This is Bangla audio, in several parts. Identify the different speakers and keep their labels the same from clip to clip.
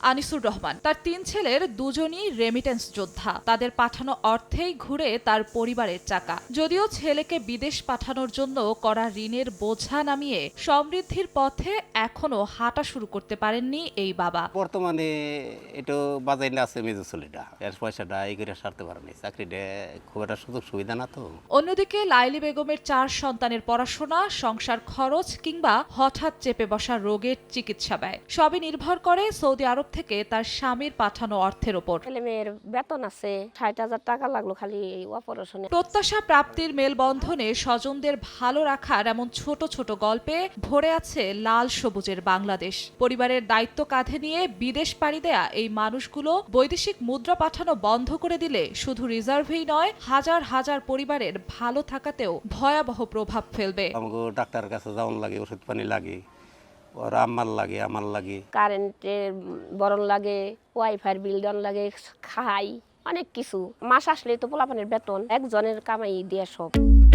Speaker 1: আনিসুর রহমান। তার ৩ ছেলের দুজনই রেমিটেন্স যোদ্ধা। তাদের পাঠানো অর্থেই ঘুরে তার পরিবারের চাকা। যদিও ছেলেকে বিদেশ পাঠানোর জন্য করা ঋণের বোঝা নামিয়ে সমৃদ্ধির পথে এখনো হাঁটা শুরু করতে পারেননি এই বাবা।
Speaker 2: বর্তমানে এটা বাজাই না আছে মেজো ছেলেটা, এর পয়সাটা এই করে সারতে পারেনি, চাকরিটা খুব একটা সুযোগ সুবিধা না তো।
Speaker 1: অন্যদিকে লাইলি বেগমের 4 সন্তানের পড়াশোনা, সংসার খরচ কিংবা হঠাৎ চেপে বসা রোগের চিকিৎসা ব্যয় সবই নির্ভর করে সৌদি আরব থেকে তার স্বামীর পাঠানো অর্থের ওপর।
Speaker 3: ছেলে মেয়ের বেতন আছে, 60,000 টাকা লাগলো খালি এই অপারেশনে।
Speaker 1: প্রত্যাশা প্রাপ্তির মেলবন্ধনে স্বজনদের ভালো রাখার এমন ছোট ছোট গল্পে ভরে আছে লাল সবুজের বাংলাদেশ। পরিবারের দায়িত্ব কাঁধে নিয়ে বিদেশ পাড়ি দেয়া এই মানুষগুলো বৈদেশিক মুদ্রা পাঠানো বন্ধ করে দিলে শুধু রিজার্ভেই নয়, হাজার হাজার পরিবারের ভালো থাকাতেও ভয়াবহ প্রভাব ফেলবে।
Speaker 2: আমাকে ডাক্তারের কাছে যাওয়ার লাগে, ওষুধ পানি লাগে, ওর আম্মার লাগে, আমার লাগে,
Speaker 3: কারেন্টের বরণ লাগে, ওয়াইফাই বিল দেওয়ার লাগে, খাই অনেক কিছু। মাস আসলে তো পোলাপানের বেতন একজনের কামাই দিয়ে সব।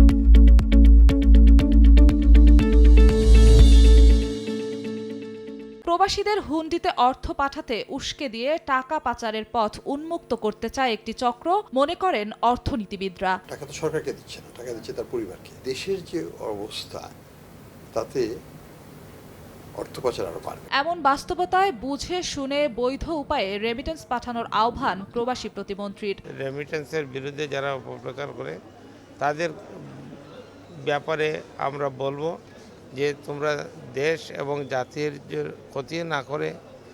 Speaker 1: প্রবাসীদের হুন্ডিতে অর্থ পাঠাতে উস্কে দিয়ে টাকা পাচারের পথ উন্মুক্ত করতে চায় একটি চক্র, মনে করেন অর্থনীতিবিদরা।
Speaker 4: টাকা তো সরকারকে দিচ্ছে না, টাকা দিচ্ছে তার পরিবারকে। দেশের যে অবস্থা তাতে অর্থ পাচার আরো বাড়বে।
Speaker 1: এমন বাস্তবতায় বুঝে শুনে বৈধ উপায়ে রেমিটেন্স পাঠানোর আহ্বান প্রবাসী প্রতিমন্ত্রীর।
Speaker 5: রেমিটেন্সের বিরুদ্ধে যারা অপপ্রচার করে তাদের ব্যাপারে আমরা বলবো যে তোমরা দেশ এবং জাতির ক্ষতি না করে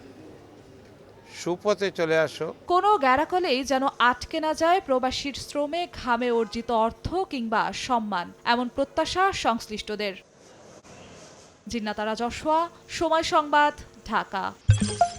Speaker 5: সুপথে চলে আসো।
Speaker 1: কোনো গ্যারাকলেই যেন আটকে না যায় প্রবাসীর শ্রমে ঘামে অর্জিত অর্থ কিংবা সম্মান, এমন প্রত্যাশা সংশ্লিষ্টদের। জিন্নাত আরা জশোয়া, সময় সংবাদ, ঢাকা।